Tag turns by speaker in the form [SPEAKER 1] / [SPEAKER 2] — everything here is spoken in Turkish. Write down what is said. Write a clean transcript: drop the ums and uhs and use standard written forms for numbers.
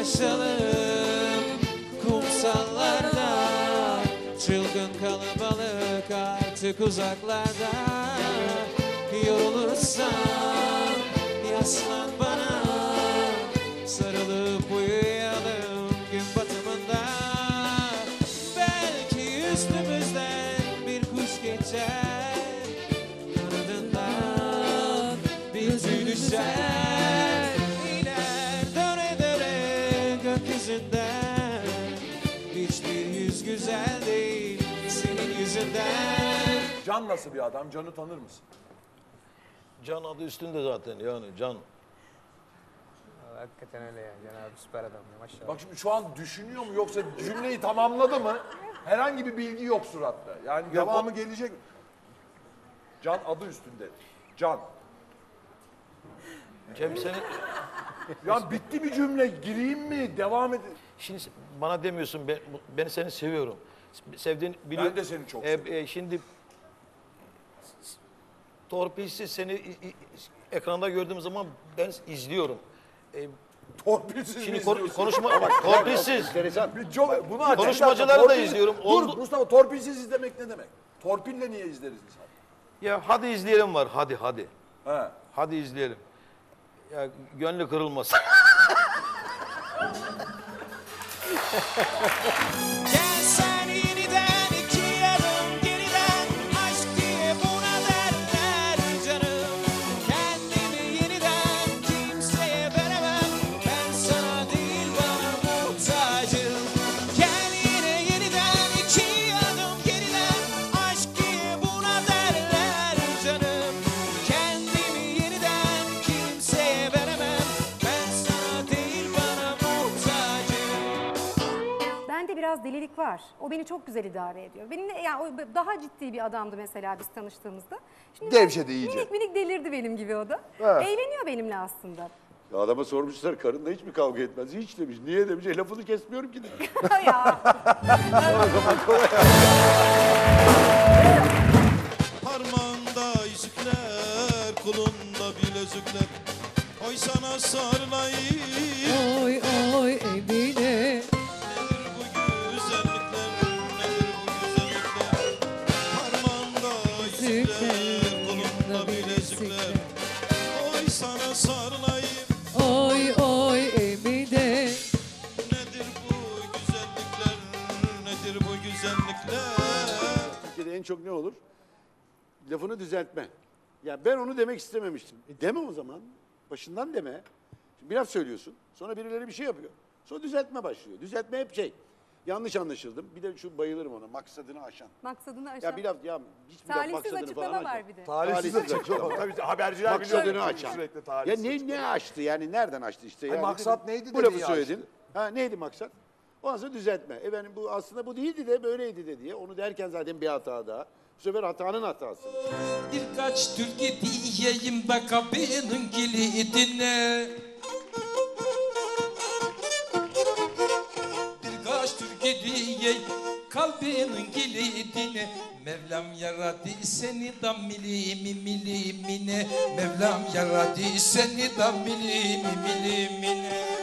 [SPEAKER 1] dolaşalım kumsallarda. Çılgın kalabalık artık uzaklarda. Yorulursan yaslan bana, sarılıp uyuyalım gün batımında. Belki üstümüzden bir kuş geçer, kanadından bir tüy düşer. İner döne döne gökyüzünden, hiçbir yüz güzel değil senin yüzünden.
[SPEAKER 2] Can nasıl bir adam? Can'ı tanır mısın?
[SPEAKER 3] Can adı üstünde zaten yani Can.
[SPEAKER 4] Hakikaten öyle ya. Can abi süper adam ya maşallah.
[SPEAKER 2] Bak şimdi şu an düşünüyor mu yoksa cümleyi tamamladı mı? Herhangi bir bilgi yok suratta. Yani devamı gelecek mi? Can adı üstünde. Can.
[SPEAKER 3] Cem seni...
[SPEAKER 2] Ya bitti bir cümle. Gireyim mi? Devam edin.
[SPEAKER 3] Şimdi bana demiyorsun ben seni seviyorum. Sevdiğini biliyorum.
[SPEAKER 2] Ben de seni çok seviyorum.
[SPEAKER 3] Şimdi torpilsiz seni ekranda gördüğüm zaman ben izliyorum.
[SPEAKER 2] Torpilsiz mi
[SPEAKER 3] Şimdi
[SPEAKER 2] izliyorsun?
[SPEAKER 3] torpilsiz.
[SPEAKER 2] Bunu aç.
[SPEAKER 3] Konuşmacıları da izliyorum.
[SPEAKER 2] Dur Mustafa, torpilsiz izlemek ne demek? Torpille niye izleriz insan?
[SPEAKER 3] Ya hadi izleyelim var. Hadi.
[SPEAKER 2] He.
[SPEAKER 3] Hadi izleyelim. Ya gönlü kırılmasın.
[SPEAKER 1] Gel sen yeniden iki adım geriden, aşk diye buna derler canım. Kendimi yeniden kimseye veremem, ben sana değil bana muhtacım. Gel yine yeniden iki adım geriden, aşk diye buna derler canım. Kendimi yeniden kimseye veremem, ben sana değil bana muhtacım.
[SPEAKER 5] Bende biraz delilik var. O beni çok güzel idare ediyor. Benimle yani o daha ciddi bir adamdı mesela biz tanıştığımızda. Şimdi
[SPEAKER 6] Gevşedi iyice.
[SPEAKER 5] Minik minik delirdi benim gibi o da.
[SPEAKER 6] Ha.
[SPEAKER 5] Eğleniyor benimle aslında.
[SPEAKER 6] Ya adama sormuşlar karınla hiç mi kavga etmez? Hiç demiş. Niye demiş. Lafını kesmiyorum ki demiş.
[SPEAKER 5] Ya.
[SPEAKER 7] Parmağında yüzükler, kolunda bilezikler. Oy sana sarılayım.
[SPEAKER 8] Oy oy Emine.
[SPEAKER 7] Nedir bu güzellikler, nedir bu güzellikler? Parmağında yüzükler, kolunda bilezikler. Oy sana sarılayım.
[SPEAKER 8] Oy oy Emine.
[SPEAKER 7] Nedir bu güzellikler, nedir bu güzellikler?
[SPEAKER 6] Türkiye'de en çok ne olur? Lafını düzeltme. Ya ben onu demek istememiştim. Deme o zaman. Başından deme. Şimdi bir laf söylüyorsun. Sonra birileri bir şey yapıyor. Sonra düzeltme başlıyor. Düzeltme hep şey. Yanlış anlaşıldım. Bir de şu bayılırım ona. Maksadını aşan.
[SPEAKER 5] Maksadını aşağı.
[SPEAKER 6] Ya bir laf ya hiçbir laf
[SPEAKER 5] Talihsiz
[SPEAKER 6] maksadını
[SPEAKER 5] açıklama
[SPEAKER 6] falan
[SPEAKER 5] var
[SPEAKER 6] aşan.
[SPEAKER 5] bir de.
[SPEAKER 2] Talihsiz açıklama. Tabii haberciler
[SPEAKER 6] Maksadını
[SPEAKER 2] biliyor.
[SPEAKER 6] aşan.
[SPEAKER 2] Sürekli
[SPEAKER 6] Ya
[SPEAKER 2] talihsiz.
[SPEAKER 6] ne açtı yani nereden açtı işte?
[SPEAKER 2] Hayır,
[SPEAKER 6] Yani
[SPEAKER 2] maksat
[SPEAKER 6] dedim,
[SPEAKER 2] neydi
[SPEAKER 6] bu
[SPEAKER 2] de
[SPEAKER 6] lafı
[SPEAKER 2] niye
[SPEAKER 6] söyledin.
[SPEAKER 2] açtı?
[SPEAKER 6] Ha neydi maksat? Ondan sonra düzeltme. Efendim bu aslında bu değildi de böyleydi de diye. Onu derken zaten bir hata daha. Bu sefer hatanın hatası.
[SPEAKER 1] Birkaç türkü diyeyim de kapının kilidine. Birkaç türkü diyeyim kalbinin kilidine. Mevlam yaradı seni da milimine. Mevlam yaradı seni da milimine.